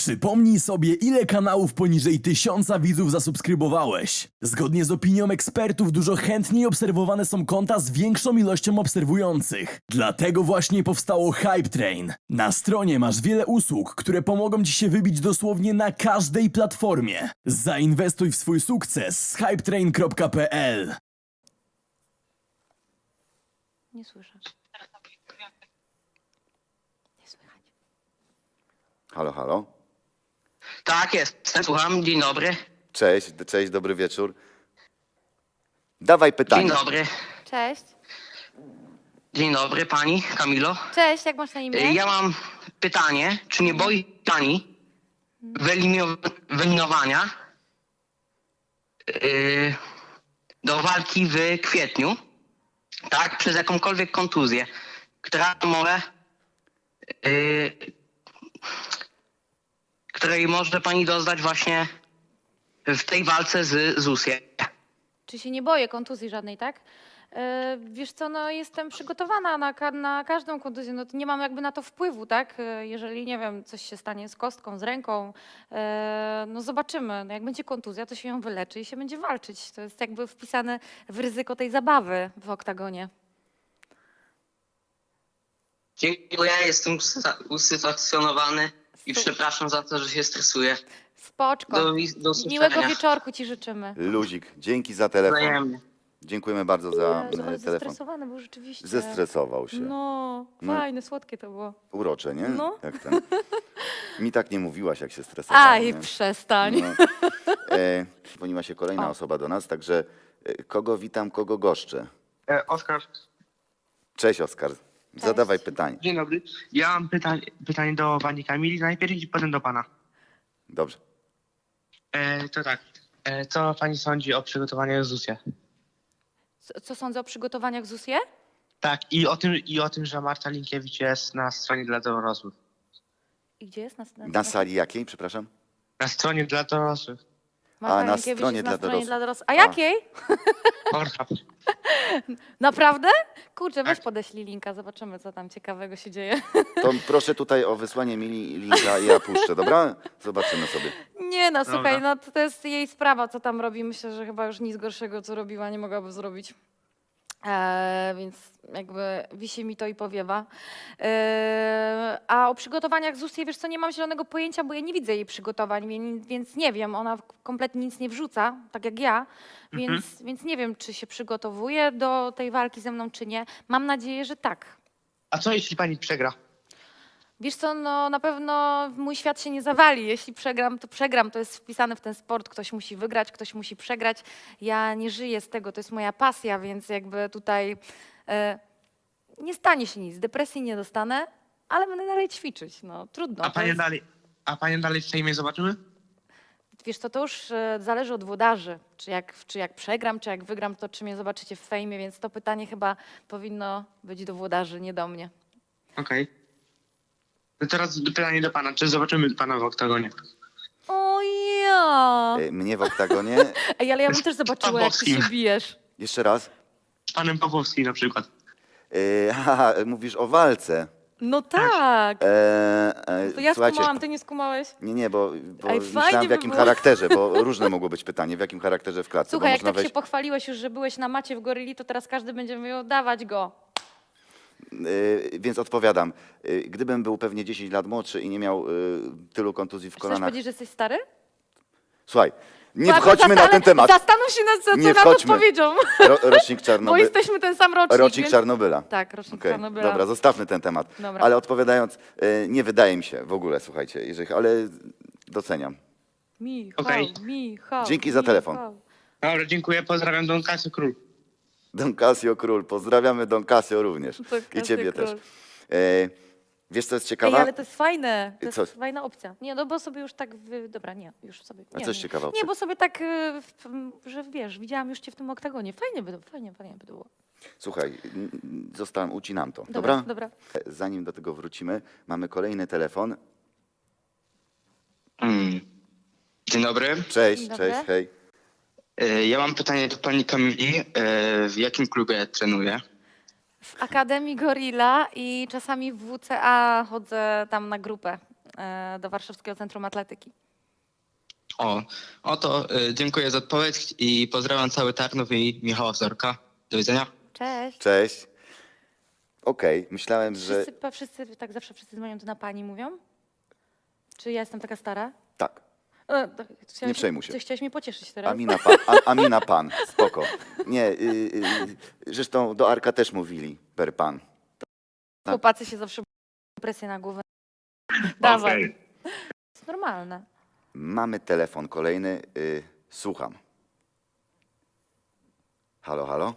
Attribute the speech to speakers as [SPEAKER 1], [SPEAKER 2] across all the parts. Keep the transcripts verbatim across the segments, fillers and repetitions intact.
[SPEAKER 1] Przypomnij sobie, ile kanałów poniżej tysiąca widzów zasubskrybowałeś. Zgodnie z opinią ekspertów dużo chętniej obserwowane są konta z większą ilością obserwujących. Dlatego właśnie powstało Hype Train. Na stronie masz wiele usług, które pomogą ci się wybić dosłownie na każdej platformie. Zainwestuj w swój sukces z hypetrain kropka p l.
[SPEAKER 2] Nie słyszę. Nie słychać.
[SPEAKER 3] Halo, halo.
[SPEAKER 4] Tak, jestem, słucham, dzień dobry.
[SPEAKER 3] Cześć, cześć, dobry wieczór. Dawaj pytanie.
[SPEAKER 4] Dzień dobry.
[SPEAKER 2] Cześć.
[SPEAKER 4] Dzień dobry, pani Kamilo.
[SPEAKER 2] Cześć, jak masz na imię?
[SPEAKER 4] Y, Ja mam pytanie, czy nie boi pani wyelimio- wyeliminowania yy, do walki w kwietniu, tak, przez jakąkolwiek kontuzję, która może, yy, której może pani doznać właśnie w tej walce z Zusiem.
[SPEAKER 2] Czy się nie boję kontuzji żadnej, tak? E, wiesz co, no jestem przygotowana na, ka- na każdą kontuzję, no to nie mam jakby na to wpływu, tak? E, jeżeli, nie wiem, coś się stanie z kostką, z ręką, e, no zobaczymy. No jak będzie kontuzja, to się ją wyleczy i się będzie walczyć. To jest jakby wpisane w ryzyko tej zabawy w oktagonie.
[SPEAKER 4] Dziękuję, jestem usa- usatysfakcjonowany i przepraszam za to, że się stresuję.
[SPEAKER 2] Spoczko.
[SPEAKER 4] Do, wi- do usłyszenia.
[SPEAKER 2] Miłego wieczorku ci życzymy.
[SPEAKER 3] Luzik, dzięki za telefon.
[SPEAKER 4] Wzajemnie.
[SPEAKER 3] Dziękujemy bardzo za
[SPEAKER 2] Jezu, ale
[SPEAKER 3] e, telefon.
[SPEAKER 2] zestresowany był rzeczywiście.
[SPEAKER 3] Zestresował się.
[SPEAKER 2] No,
[SPEAKER 3] No.
[SPEAKER 2] fajne, słodkie to było.
[SPEAKER 3] Urocze, nie?
[SPEAKER 2] No.
[SPEAKER 3] Jak ten. Mi tak nie mówiłaś, jak się stresowałem.
[SPEAKER 2] Aj,
[SPEAKER 3] nie?
[SPEAKER 2] przestań.
[SPEAKER 3] No. E, dzwoniła się kolejna
[SPEAKER 2] O.
[SPEAKER 3] osoba do nas, także e, kogo witam, kogo goszczę.
[SPEAKER 5] E, Oskar,
[SPEAKER 3] Cześć, Oskar. Zadawaj pytanie.
[SPEAKER 5] dzień dobry. Ja mam pytanie, pytanie do pani Kamili najpierw i potem do pana.
[SPEAKER 3] Dobrze.
[SPEAKER 5] E, to tak, e, co pani sądzi o przygotowaniu Zusie?
[SPEAKER 2] Co- Co sądzę o przygotowaniach ZUS-ie?
[SPEAKER 5] Tak, i o tym, i o tym, że Marta Linkiewicz jest na stronie dla dorosłych.
[SPEAKER 2] I gdzie jest? Na, na,
[SPEAKER 3] Na sali jakiej, przepraszam?
[SPEAKER 5] Na stronie dla dorosłych.
[SPEAKER 2] Marta
[SPEAKER 3] A, na
[SPEAKER 2] Linkiewicz
[SPEAKER 3] stronie
[SPEAKER 2] jest
[SPEAKER 3] dla
[SPEAKER 2] na stronie
[SPEAKER 3] dorosłych.
[SPEAKER 2] dla dorosłych. A jakiej?
[SPEAKER 5] Pornhub.
[SPEAKER 2] Naprawdę? Kurczę, weź
[SPEAKER 5] Tak.
[SPEAKER 2] podeślij linka, zobaczymy, co tam ciekawego się dzieje.
[SPEAKER 3] To proszę tutaj o wysłanie mi linka i ja puszczę, dobra? Zobaczymy sobie.
[SPEAKER 2] Nie no, słuchaj,
[SPEAKER 5] Dobra.
[SPEAKER 2] no to, to jest jej sprawa, co tam robi. Myślę, że chyba już nic gorszego, co robiła, nie mogłaby zrobić. Eee, więc jakby wisi mi to i powiewa. Eee, a o przygotowaniach ZUS-ie, wiesz co, nie mam zielonego pojęcia, bo ja nie widzę jej przygotowań, więc, więc nie wiem, ona kompletnie nic nie wrzuca, tak jak ja, więc, więc nie wiem, czy się przygotowuje do tej walki ze mną, czy nie. Mam nadzieję, że tak.
[SPEAKER 5] A co jeśli pani przegra?
[SPEAKER 2] Wiesz co, no na pewno mój świat się nie zawali. Jeśli przegram, to przegram. To jest wpisane w ten sport. Ktoś musi wygrać, ktoś musi przegrać. Ja nie żyję z tego, to jest moja pasja, więc jakby tutaj e, nie stanie się nic. Depresji nie dostanę, ale będę dalej ćwiczyć. No trudno.
[SPEAKER 5] A
[SPEAKER 2] to
[SPEAKER 5] panie
[SPEAKER 2] jest,
[SPEAKER 5] dalej, a panie dalej w fejmie zobaczymy?
[SPEAKER 2] wiesz co, to już e, zależy od włodarzy. Czy jak, czy jak przegram, czy jak wygram, to czy mnie zobaczycie w fejmie, więc to pytanie chyba powinno być do włodarzy, nie do mnie.
[SPEAKER 5] Okej. No teraz pytanie do pana, czy zobaczymy pana w oktagonie?
[SPEAKER 2] O ja!
[SPEAKER 3] E, Mnie w oktagonie.
[SPEAKER 2] Ej, ale ja bym też zobaczyła, jak ty się
[SPEAKER 5] Pawłowskim.
[SPEAKER 2] bijesz.
[SPEAKER 3] Jeszcze raz.
[SPEAKER 5] Z panem Pawłowskim na przykład.
[SPEAKER 3] E, haha, mówisz o walce.
[SPEAKER 2] No tak.
[SPEAKER 3] E, e,
[SPEAKER 2] To ja
[SPEAKER 3] słuchajcie,
[SPEAKER 2] skumałam, ty nie skumałeś?
[SPEAKER 3] Nie, nie, bo, bo
[SPEAKER 2] Ej, fajnie
[SPEAKER 3] myślałem w
[SPEAKER 2] by
[SPEAKER 3] jakim
[SPEAKER 2] było.
[SPEAKER 3] charakterze, bo różne mogło być pytanie, w jakim charakterze w klatce.
[SPEAKER 2] Słuchaj,
[SPEAKER 3] bo
[SPEAKER 2] jak
[SPEAKER 3] można
[SPEAKER 2] tak się
[SPEAKER 3] wejść,
[SPEAKER 2] pochwaliłeś już, że byłeś na macie w Goryli, to teraz każdy będzie mówił, dawać go.
[SPEAKER 3] y, więc odpowiadam. Y, gdybym był pewnie dziesięć lat młodszy i nie miał y, tylu kontuzji w
[SPEAKER 2] Chcesz
[SPEAKER 3] kolanach.
[SPEAKER 2] powiedzieć, że jesteś stary?
[SPEAKER 3] Słuchaj, nie
[SPEAKER 2] Słuchaj,
[SPEAKER 3] wchodźmy na
[SPEAKER 2] zastanów-
[SPEAKER 3] ten temat.
[SPEAKER 2] Zastanów się nad co, co
[SPEAKER 3] Nie
[SPEAKER 2] nad
[SPEAKER 3] wchodźmy.
[SPEAKER 2] odpowiedzią,
[SPEAKER 3] Ro, rocznik
[SPEAKER 2] bo
[SPEAKER 3] Czarnobyla.
[SPEAKER 2] jesteśmy ten sam rocznik.
[SPEAKER 3] Rocznik
[SPEAKER 2] więc...
[SPEAKER 3] Czarnobyla.
[SPEAKER 2] Tak, rocznik
[SPEAKER 3] Okej,
[SPEAKER 2] Czarnobyla.
[SPEAKER 3] Dobra, zostawmy ten temat.
[SPEAKER 2] Dobra.
[SPEAKER 3] Ale odpowiadając, y, nie wydaje mi się w ogóle, słuchajcie, jeżeli, ale doceniam.
[SPEAKER 2] Michał,
[SPEAKER 5] Okej.
[SPEAKER 2] Michał.
[SPEAKER 3] Dzięki za telefon.
[SPEAKER 2] Michał.
[SPEAKER 5] Dobra, dziękuję, pozdrawiam Don Casio Król.
[SPEAKER 3] Don Casio Król, pozdrawiamy Don Casio również.
[SPEAKER 2] Don
[SPEAKER 3] I
[SPEAKER 2] Casio
[SPEAKER 3] ciebie
[SPEAKER 2] Król.
[SPEAKER 3] też. E, wiesz, co jest ciekawe?
[SPEAKER 2] Ej, ale to jest fajne, to
[SPEAKER 3] Co?
[SPEAKER 2] jest fajna opcja. Nie, no bo sobie już tak, wy... dobra, nie, już sobie.
[SPEAKER 3] A
[SPEAKER 2] Nie,
[SPEAKER 3] coś
[SPEAKER 2] nie.
[SPEAKER 3] ciekawa
[SPEAKER 2] Nie,
[SPEAKER 3] opcja.
[SPEAKER 2] bo sobie tak, y, w- że wiesz, widziałam już cię w tym oktagonie. Fajnie by, fajnie, fajnie by było.
[SPEAKER 3] Słuchaj, n- n- zostałem, ucinam to,
[SPEAKER 2] Dobra,
[SPEAKER 3] dobra?
[SPEAKER 2] dobra.
[SPEAKER 3] Zanim do tego wrócimy, mamy kolejny telefon.
[SPEAKER 6] Mm. Dzień dobry.
[SPEAKER 3] Cześć,
[SPEAKER 2] Dzień dobry.
[SPEAKER 3] cześć, hej.
[SPEAKER 6] E, Ja mam pytanie do pani Kamili. E, W jakim klubie trenuję?
[SPEAKER 2] W Akademii Gorilla i czasami w W C A chodzę tam na grupę. e, do Warszawskiego Centrum Atletyki.
[SPEAKER 6] O, oto y, dziękuję za odpowiedź i pozdrawiam cały Tarnów i Michała Wzorka. Do widzenia.
[SPEAKER 2] Cześć.
[SPEAKER 3] Cześć. Okej, myślałem, że...
[SPEAKER 2] Wszyscy, pa- wszyscy, tak zawsze wszyscy dzwonią, to na pani mówią? Czy ja jestem taka stara?
[SPEAKER 3] Tak,
[SPEAKER 2] E, to chciałeś-
[SPEAKER 3] Nie przejmuj się.
[SPEAKER 2] Ty chciałeś mnie pocieszyć teraz?
[SPEAKER 3] Amina pan, a, Amina pan, spoko. Nie, y, y, zresztą do Arka też mówili per pan.
[SPEAKER 2] Chłopacy się zawsze presję na głowę. Dawaj.
[SPEAKER 5] Okej.
[SPEAKER 2] To jest normalne.
[SPEAKER 3] Mamy telefon kolejny, y, słucham. Halo, halo?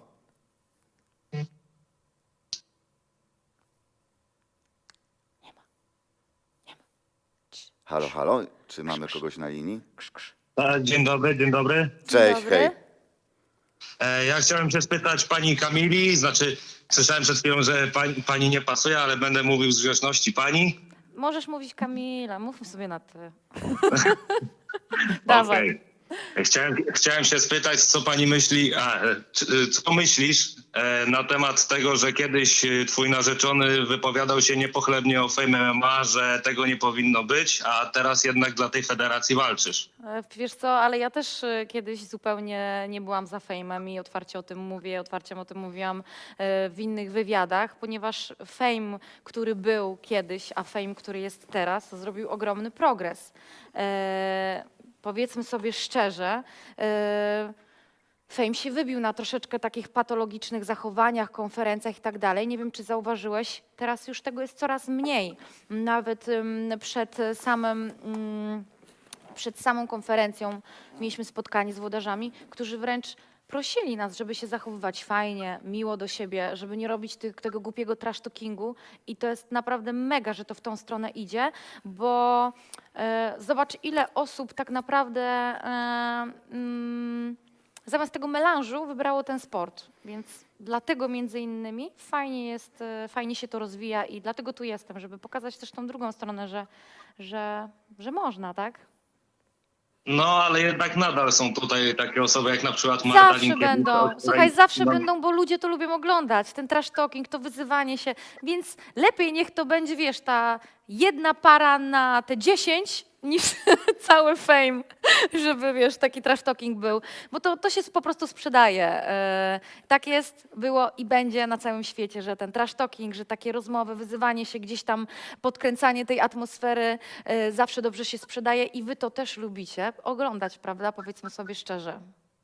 [SPEAKER 3] Halo, halo? Czy mamy kogoś na linii?
[SPEAKER 7] E, Dzień dobry, dzień dobry.
[SPEAKER 3] Cześć,
[SPEAKER 2] dobry.
[SPEAKER 3] hej.
[SPEAKER 7] E, Ja chciałem się spytać pani Kamili, znaczy słyszałem przed chwilą, że pani, pani nie pasuje, ale będę mówił z grzeczności pani.
[SPEAKER 2] Możesz mówić Kamila, mówmy sobie na ty. Dawaj.
[SPEAKER 7] Okej. Chciałem, chciałem się spytać, co pani myśli, a, e, czy- co myślisz e, na temat tego, że kiedyś e, twój narzeczony wypowiadał się niepochlebnie o Fame M M A, że tego nie powinno być, a teraz jednak dla tej federacji walczysz.
[SPEAKER 2] E, Wiesz co, ale ja też e, kiedyś zupełnie nie byłam za fejmem i otwarcie o tym mówię, otwarcie o tym mówiłam e, w innych wywiadach, ponieważ fame, który był kiedyś, a fame, który jest teraz, zrobił ogromny progres. E, Powiedzmy sobie szczerze, e, Fame się wybił na troszeczkę takich patologicznych zachowaniach, konferencjach i tak dalej. Nie wiem, czy zauważyłeś, teraz już tego jest coraz mniej. Nawet ym, przed samym... ym, Przed samą konferencją mieliśmy spotkanie z włodarzami, którzy wręcz prosili nas, żeby się zachowywać fajnie, miło do siebie, żeby nie robić tych, tego głupiego trash talkingu i to jest naprawdę mega, że to w tą stronę idzie, bo e, zobacz, ile osób tak naprawdę e, mm, zamiast tego melanżu wybrało ten sport, więc dlatego między innymi fajnie jest, e, fajnie się to rozwija i dlatego tu jestem, żeby pokazać też tą drugą stronę, że, że, że można, tak?
[SPEAKER 7] No, ale jednak nadal są tutaj takie osoby jak na przykład Marta
[SPEAKER 2] Zawsze
[SPEAKER 7] Linkiewicz,
[SPEAKER 2] będą.
[SPEAKER 7] której-
[SPEAKER 2] Słuchaj, zawsze
[SPEAKER 7] no,
[SPEAKER 2] będą, bo ludzie to lubią oglądać. Ten trash talking, to wyzywanie się. Więc lepiej niech to będzie, wiesz, ta jedna para na te dziesięć niż cały fame, żeby, wiesz, taki trash talking był. Bo to, to się po prostu sprzedaje. E, tak jest, było i będzie na całym świecie, że ten trash talking, że takie rozmowy, wyzywanie się, gdzieś tam podkręcanie tej atmosfery e, zawsze dobrze się sprzedaje i wy to też lubicie oglądać, prawda? Powiedzmy sobie szczerze.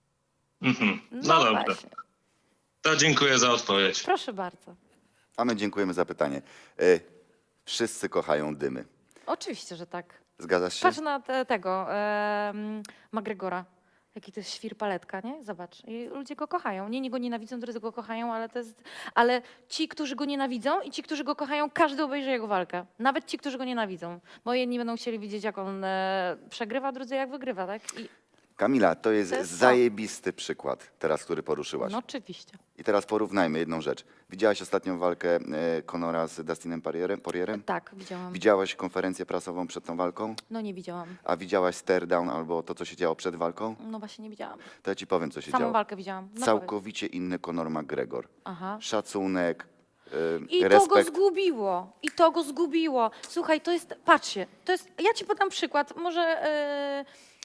[SPEAKER 7] Mhm. No, dobrze.
[SPEAKER 2] właśnie.
[SPEAKER 7] To dziękuję za odpowiedź.
[SPEAKER 2] Proszę bardzo.
[SPEAKER 3] A my dziękujemy za pytanie. Y, wszyscy kochają dymy.
[SPEAKER 2] Oczywiście, że tak.
[SPEAKER 3] Zgadzasz się?
[SPEAKER 2] Patrz na te, tego em, McGregora. Jaki to jest świr paletka, nie? Zobacz. I ludzie go kochają. Nie, nie go nienawidzą, drudzy go kochają, ale to jest... Ale ci, którzy go nienawidzą i ci, którzy go kochają, każdy obejrzy jego walkę. Nawet ci, którzy go nienawidzą. Bo jedni będą chcieli widzieć, jak on e, przegrywa, drudzy jak wygrywa, tak? I,
[SPEAKER 3] Kamila, to jest,
[SPEAKER 2] To jest to.
[SPEAKER 3] zajebisty przykład teraz, który poruszyłaś.
[SPEAKER 2] no oczywiście.
[SPEAKER 3] I teraz porównajmy jedną rzecz. Widziałaś ostatnią walkę e, Conora z Dustinem Poirierem? Poirierem?
[SPEAKER 2] Tak, widziałam.
[SPEAKER 3] Widziałaś konferencję prasową przed tą walką?
[SPEAKER 2] No nie widziałam.
[SPEAKER 3] A widziałaś stare down albo to, co się działo przed walką?
[SPEAKER 2] No właśnie nie widziałam.
[SPEAKER 3] To ja ci powiem, co się
[SPEAKER 2] Samą
[SPEAKER 3] działo.
[SPEAKER 2] walkę widziałam. No powiedz.
[SPEAKER 3] Całkowicie inny Conor McGregor.
[SPEAKER 2] Aha.
[SPEAKER 3] Szacunek, e,
[SPEAKER 2] I to go
[SPEAKER 3] respekt.
[SPEAKER 2] zgubiło. I to go zgubiło. Słuchaj, to jest, patrzcie, to jest, ja ci podam przykład, może e,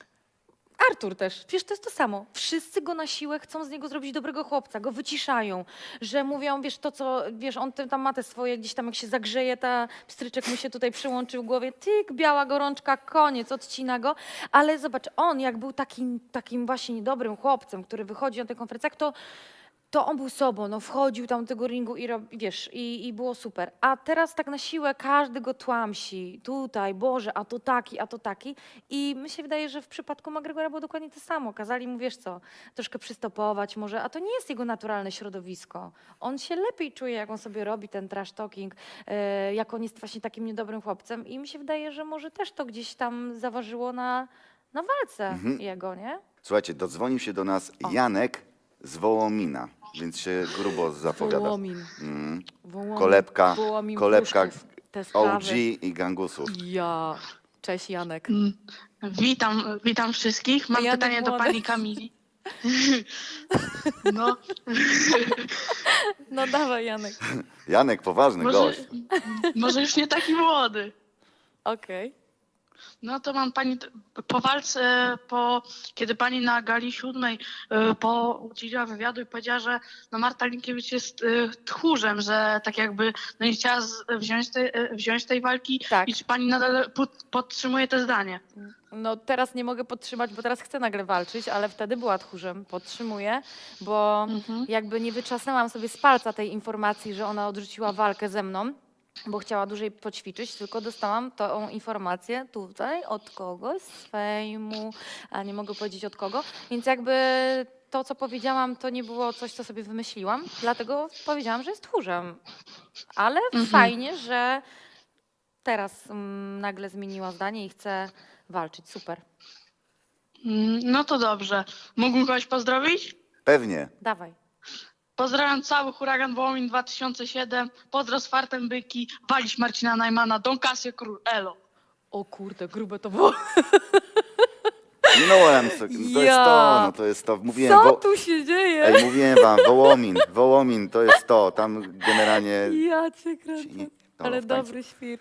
[SPEAKER 2] Artur też, przecież to jest to samo. Wszyscy go na siłę chcą z niego zrobić dobrego chłopca, go wyciszają, że mówią, wiesz, to co, wiesz, on tam ma te swoje, gdzieś tam jak się zagrzeje, ta pstryczek mu się tutaj przyłączył w głowie, tyk, biała gorączka, koniec, odcina go. Ale zobacz, on jak był takim, takim właśnie dobrym chłopcem, który wychodzi na tych konferencjach, to to on był sobą, no wchodził tam do tego ringu i rob, wiesz, i, i było super. A teraz tak na siłę każdy go tłamsi. Tutaj, Boże, a to taki, a to taki. I mi się wydaje, że w przypadku McGregora było dokładnie to samo. Kazali mu, wiesz co, troszkę przystopować może, a to nie jest jego naturalne środowisko. On się lepiej czuje, jak on sobie robi ten trash talking, e, jak on jest właśnie takim niedobrym chłopcem. I mi się wydaje, że może też to gdzieś tam zaważyło na, na walce
[SPEAKER 3] Mhm.
[SPEAKER 2] jego, nie?
[SPEAKER 3] Słuchajcie, dodzwonił się do nas
[SPEAKER 2] O.
[SPEAKER 3] Janek z Wołomina, więc się grubo zapowiada.
[SPEAKER 2] Wołomin.
[SPEAKER 3] Mm.
[SPEAKER 2] Wołomin,
[SPEAKER 3] Kolebka,
[SPEAKER 2] Wołomin,
[SPEAKER 3] kolebka
[SPEAKER 2] Pruszków, te
[SPEAKER 3] O
[SPEAKER 2] sprawy.
[SPEAKER 3] G i gangusów.
[SPEAKER 2] Ja. Cześć Janek.
[SPEAKER 8] Mm. Witam, witam wszystkich. Mam
[SPEAKER 2] Janek
[SPEAKER 8] pytanie do
[SPEAKER 2] młody.
[SPEAKER 8] pani Kamili. No,
[SPEAKER 2] No dawaj Janek.
[SPEAKER 3] Janek, poważny
[SPEAKER 8] może,
[SPEAKER 3] gość.
[SPEAKER 8] może już nie taki młody.
[SPEAKER 2] Okej.
[SPEAKER 8] No to mam pani t- po walce, po, kiedy pani na gali siódmej y, po udzieliła wywiadu i powiedziała, że no Marta Linkiewicz jest y, tchórzem, że tak jakby no nie chciała z, wziąć, te, y, wziąć tej walki.
[SPEAKER 2] Tak.
[SPEAKER 8] I czy pani nadal pod, podtrzymuje to zdanie?
[SPEAKER 2] No teraz nie mogę podtrzymać, bo teraz chcę nagle walczyć, ale wtedy była tchórzem. Podtrzymuję, bo
[SPEAKER 8] Mhm.
[SPEAKER 2] jakby nie wyczasnęłam sobie z palca tej informacji, że ona odrzuciła walkę ze mną, bo chciała dłużej poćwiczyć, tylko dostałam tą informację tutaj od kogoś z fejmu, a nie mogę powiedzieć od kogo, więc jakby to, co powiedziałam, to nie było coś, co sobie wymyśliłam, dlatego powiedziałam, że jest tchórzem. Ale
[SPEAKER 8] Mhm.
[SPEAKER 2] fajnie, że teraz mm, nagle zmieniła zdanie i chce walczyć. Super.
[SPEAKER 8] Mm, No to dobrze. Mógłbym kogoś pozdrowić?
[SPEAKER 3] Pewnie.
[SPEAKER 2] Dawaj.
[SPEAKER 8] Pozdrawiam cały Huragan Wołomin dwa tysiące siedem. Pozdro z fartem byki. Walić Marcina Najmana. Don Casio Król. Elo.
[SPEAKER 2] O kurde, grube to było.
[SPEAKER 3] Minąłem, to jest
[SPEAKER 2] Ja.
[SPEAKER 3] to, no to jest to. Mówiłem,
[SPEAKER 2] Co
[SPEAKER 3] wo-
[SPEAKER 2] tu się dzieje?
[SPEAKER 3] Ej, mówiłem wam, Wołomin, Wołomin, to jest to. Tam generalnie...
[SPEAKER 2] Ja cię kręcę.
[SPEAKER 3] nie- no,
[SPEAKER 2] Ale
[SPEAKER 3] w tańcu.
[SPEAKER 2] dobry świr.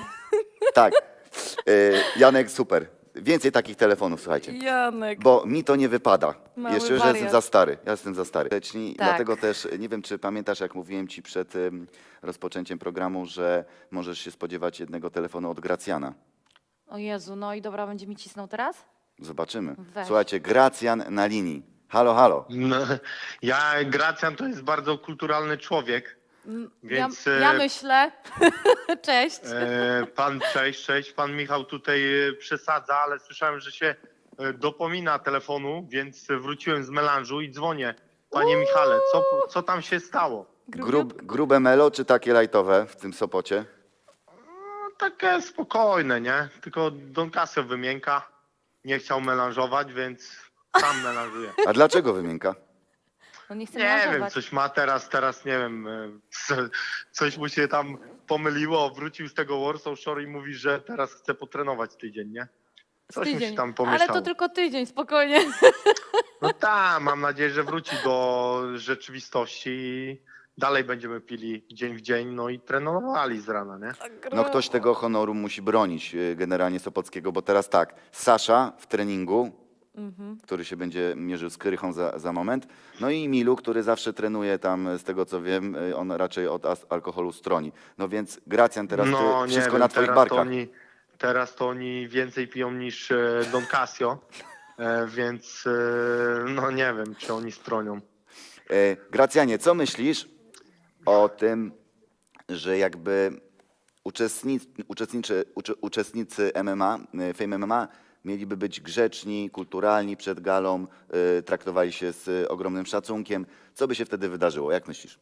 [SPEAKER 3] Tak. Y, Janek, super. Więcej takich telefonów, słuchajcie.
[SPEAKER 2] Janek.
[SPEAKER 3] Bo mi to nie wypada.
[SPEAKER 2] Mały
[SPEAKER 3] Jeszcze, że
[SPEAKER 2] wariat.
[SPEAKER 3] jestem za stary. Ja jestem za stary. Leczni,
[SPEAKER 2] Tak.
[SPEAKER 3] Dlatego też nie wiem, czy pamiętasz, jak mówiłem ci przed ym, rozpoczęciem programu, że możesz się spodziewać jednego telefonu od Gracjana.
[SPEAKER 2] O Jezu, no i dobra, będzie mi cisnął teraz?
[SPEAKER 3] Zobaczymy.
[SPEAKER 2] Weź.
[SPEAKER 3] Słuchajcie, Gracjan na linii. Halo, halo.
[SPEAKER 5] No, ja, Gracjan to jest bardzo kulturalny człowiek,
[SPEAKER 2] Mm,
[SPEAKER 5] więc...
[SPEAKER 2] ja, ja
[SPEAKER 5] e,
[SPEAKER 2] myślę. Cześć.
[SPEAKER 5] E, pan, cześć, cześć, pan Michał tutaj e, przesadza, ale słyszałem, że się e, dopomina telefonu, więc wróciłem z melanżu i dzwonię. Panie Michale, co, co tam się stało?
[SPEAKER 3] Grub, grube melo, czy takie lajtowe w tym Sopocie?
[SPEAKER 5] No, takie spokojne, nie? Tylko Don Casio wymięka, nie chciał melanżować, więc sam melanżuje.
[SPEAKER 3] A dlaczego wymienka?
[SPEAKER 2] No nie chcę
[SPEAKER 5] Nie wiem,
[SPEAKER 2] melanżować.
[SPEAKER 5] coś ma teraz, teraz nie wiem, e, co- coś mu się tam pomyliło, wrócił z tego Warsaw Shore i mówi, że teraz chce potrenować tydzień, nie? Coś mu się
[SPEAKER 2] Tydzień.
[SPEAKER 5] tam pomieszało.
[SPEAKER 2] Ale to tylko tydzień, spokojnie.
[SPEAKER 5] No tak, mam nadzieję, że wróci do rzeczywistości i dalej będziemy pili dzień w dzień, no i trenowali z rana, nie?
[SPEAKER 3] No ktoś tego honoru musi bronić y, generalnie Sopockiego, bo teraz tak, Sasza w treningu,
[SPEAKER 2] Mhm.
[SPEAKER 3] który się będzie mierzył z Krychą za, za moment, no i Milu, który zawsze trenuje tam, z tego co wiem, y, on raczej od as- alkoholu stroni. No więc Gracjan, teraz
[SPEAKER 5] no
[SPEAKER 3] ty, wszystko
[SPEAKER 5] wiem,
[SPEAKER 3] na twoich
[SPEAKER 5] teraz to
[SPEAKER 3] barkach.
[SPEAKER 5] oni, teraz to oni więcej piją niż e, Don Casio, e, więc e, no nie wiem, czy oni stronią.
[SPEAKER 3] E, Gracjanie, co myślisz o tym, że jakby uczestnicy, uczestniczy, ucze- uczestnicy M M A, y, Fame M M A mieliby być grzeczni, kulturalni przed galą, y, traktowali się z y, ogromnym szacunkiem. Co by się wtedy wydarzyło? Jak myślisz?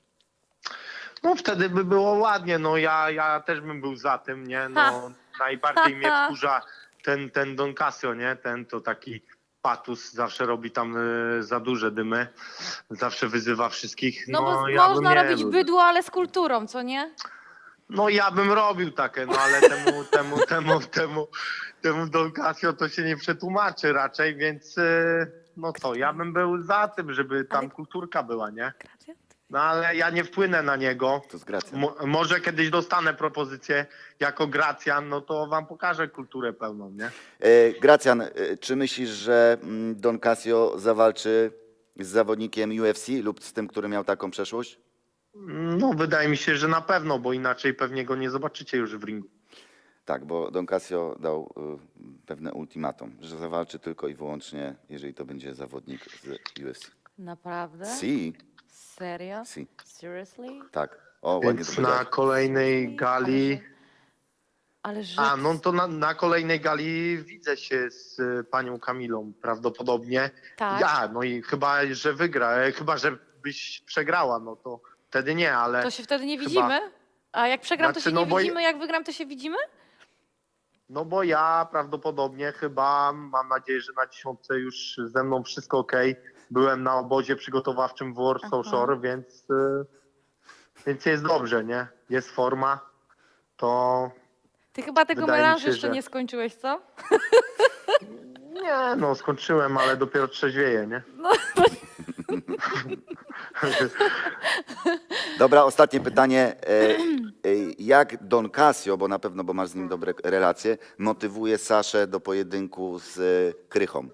[SPEAKER 5] No wtedy by było ładnie, no ja, ja też bym był za tym, nie? No
[SPEAKER 2] Ha.
[SPEAKER 5] najbardziej mnie wkurza ten, ten Don Casio, nie? Ten to taki patus, zawsze robi tam y, za duże dymy, zawsze wyzywa wszystkich.
[SPEAKER 2] No, bo
[SPEAKER 5] ja bym
[SPEAKER 2] można
[SPEAKER 5] nie
[SPEAKER 2] robić
[SPEAKER 5] był.
[SPEAKER 2] bydło, ale z kulturą, co nie?
[SPEAKER 5] No ja bym robił takie, no ale temu, temu, temu, temu, temu Don Casio to się nie przetłumaczy raczej, więc y, no co, ja bym był za tym, żeby tam
[SPEAKER 2] Ale-
[SPEAKER 5] kulturka była, nie? No ale ja nie wpłynę na niego.
[SPEAKER 3] To z Gracjan.
[SPEAKER 5] Mo, może kiedyś dostanę propozycję jako Gracjan, no to wam pokażę kulturę pełną, nie?
[SPEAKER 3] E, Gracjan, e, czy myślisz, że mm, Don Casio zawalczy z zawodnikiem U F C lub z tym, który miał taką przeszłość?
[SPEAKER 5] No wydaje mi się, że na pewno, bo inaczej pewnie go nie zobaczycie już w ringu.
[SPEAKER 3] Tak, bo Don Casio dał y, pewne ultimatum, że zawalczy tylko i wyłącznie, jeżeli to będzie zawodnik z U F C.
[SPEAKER 2] Naprawdę?
[SPEAKER 3] Si,
[SPEAKER 2] Serio?
[SPEAKER 3] si,
[SPEAKER 2] Seriously?
[SPEAKER 3] tak. O, ładnie to
[SPEAKER 5] Więc na
[SPEAKER 3] powiedziałeś.
[SPEAKER 5] kolejnej gali...
[SPEAKER 2] Ale że...
[SPEAKER 5] A, no to na, na kolejnej gali widzę się z y, panią Kamilą prawdopodobnie.
[SPEAKER 2] Tak.
[SPEAKER 5] Ja, no i chyba, że wygra, e, chyba, że byś przegrała, no to wtedy nie, ale...
[SPEAKER 2] To się wtedy nie
[SPEAKER 5] chyba-
[SPEAKER 2] widzimy? A jak przegram, to
[SPEAKER 5] Znaczy,
[SPEAKER 2] się
[SPEAKER 5] no
[SPEAKER 2] nie
[SPEAKER 5] bo-
[SPEAKER 2] widzimy, jak wygram, to się widzimy?
[SPEAKER 5] No bo ja prawdopodobnie chyba, mam nadzieję, że na dziesiątce już ze mną wszystko ok. Byłem na obozie przygotowawczym w Warsaw
[SPEAKER 2] Aha.
[SPEAKER 5] Shore, więc, y, więc jest dobrze, nie? Jest forma, to
[SPEAKER 2] Ty chyba tego
[SPEAKER 5] Wydaje mi
[SPEAKER 2] melanżu
[SPEAKER 5] się,
[SPEAKER 2] jeszcze
[SPEAKER 5] że-
[SPEAKER 2] nie skończyłeś, co?
[SPEAKER 5] nie, no skończyłem, ale dopiero trzeźwieję, nie?
[SPEAKER 2] No,
[SPEAKER 3] Dobra, ostatnie pytanie. E, e, jak Don Casio, bo na pewno, bo masz z nim dobre relacje, motywuje Saszę do pojedynku z e, Krychą?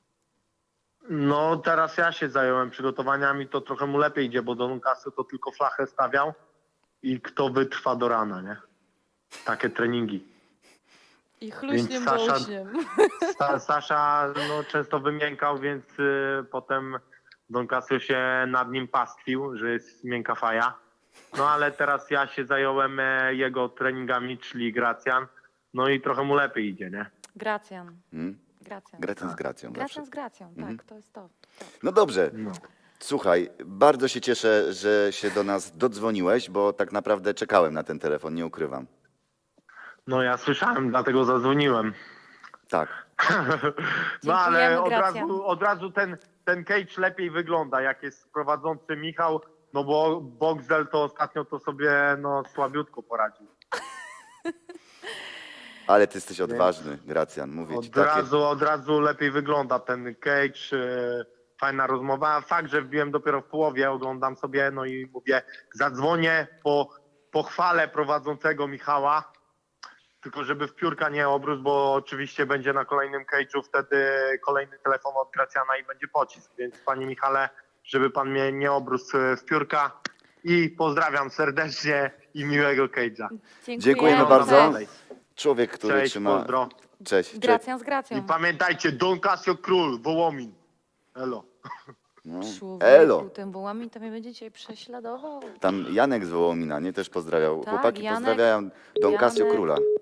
[SPEAKER 5] No teraz ja się zająłem przygotowaniami, to trochę mu lepiej idzie, bo Don Casio to tylko flachę stawiał i kto wytrwa do rana, nie? Takie treningi.
[SPEAKER 2] I chluśniem
[SPEAKER 5] Więc
[SPEAKER 2] do
[SPEAKER 5] Sasza-
[SPEAKER 2] uśniem.
[SPEAKER 5] Sa, Sasza no, często wymiękał, więc y, potem Don Casio się nad nim pastwił, że jest miękka faja. No ale teraz ja się zająłem e, jego treningami, czyli Gracjan. No i trochę mu lepiej idzie, nie?
[SPEAKER 2] Gracjan.
[SPEAKER 3] Hmm?
[SPEAKER 2] Gracjan.
[SPEAKER 3] Gracjan z Gracją. zawsze.
[SPEAKER 2] Gracjan z Gracją,
[SPEAKER 3] Mhm.
[SPEAKER 2] tak, to jest to. to.
[SPEAKER 3] No dobrze.
[SPEAKER 5] No.
[SPEAKER 3] Słuchaj, bardzo się cieszę, że się do nas dodzwoniłeś, bo tak naprawdę czekałem na ten telefon, nie ukrywam.
[SPEAKER 5] No ja słyszałem, dlatego zadzwoniłem.
[SPEAKER 3] Tak.
[SPEAKER 5] No ale
[SPEAKER 2] Dziękujemy,
[SPEAKER 5] od
[SPEAKER 2] Gracjan.
[SPEAKER 5] razu, od razu ten, ten cage lepiej wygląda, jak jest prowadzący Michał, no bo Boxel to ostatnio to sobie no słabiutko poradził.
[SPEAKER 3] Ale ty jesteś odważny, Gracjan, mówię ci.
[SPEAKER 5] Od
[SPEAKER 3] Takie...
[SPEAKER 5] razu, od razu lepiej wygląda ten cage, e, fajna rozmowa. Fakt, że wbiłem dopiero w połowie, oglądam sobie, no i mówię, zadzwonię po pochwale prowadzącego Michała, tylko żeby w piórka nie obrósł, bo oczywiście będzie na kolejnym cage'u wtedy kolejny telefon od Gracjana i będzie pocisk, więc panie Michale, żeby pan mnie nie obrósł w piórka i pozdrawiam serdecznie i miłego cage'a.
[SPEAKER 3] Dziękujemy bardzo.
[SPEAKER 2] Cześć.
[SPEAKER 3] Człowiek, który
[SPEAKER 5] Cześć,
[SPEAKER 3] trzyma...
[SPEAKER 5] pozdro.
[SPEAKER 3] Cześć. Cześć.
[SPEAKER 2] Gracjan z
[SPEAKER 5] I
[SPEAKER 2] Gracją.
[SPEAKER 5] pamiętajcie, Don Casio Król, Wołomin. Elo.
[SPEAKER 3] No.
[SPEAKER 2] Człowieku,
[SPEAKER 3] Elo.
[SPEAKER 2] ten Wołomin to mnie będzie dzisiaj prześladował.
[SPEAKER 3] Tam Janek z Wołomina, nie? Też pozdrawiał.
[SPEAKER 2] Tak,
[SPEAKER 3] Chłopaki
[SPEAKER 2] Janek.
[SPEAKER 3] pozdrawiają Don Casio
[SPEAKER 2] Janek.
[SPEAKER 3] Króla.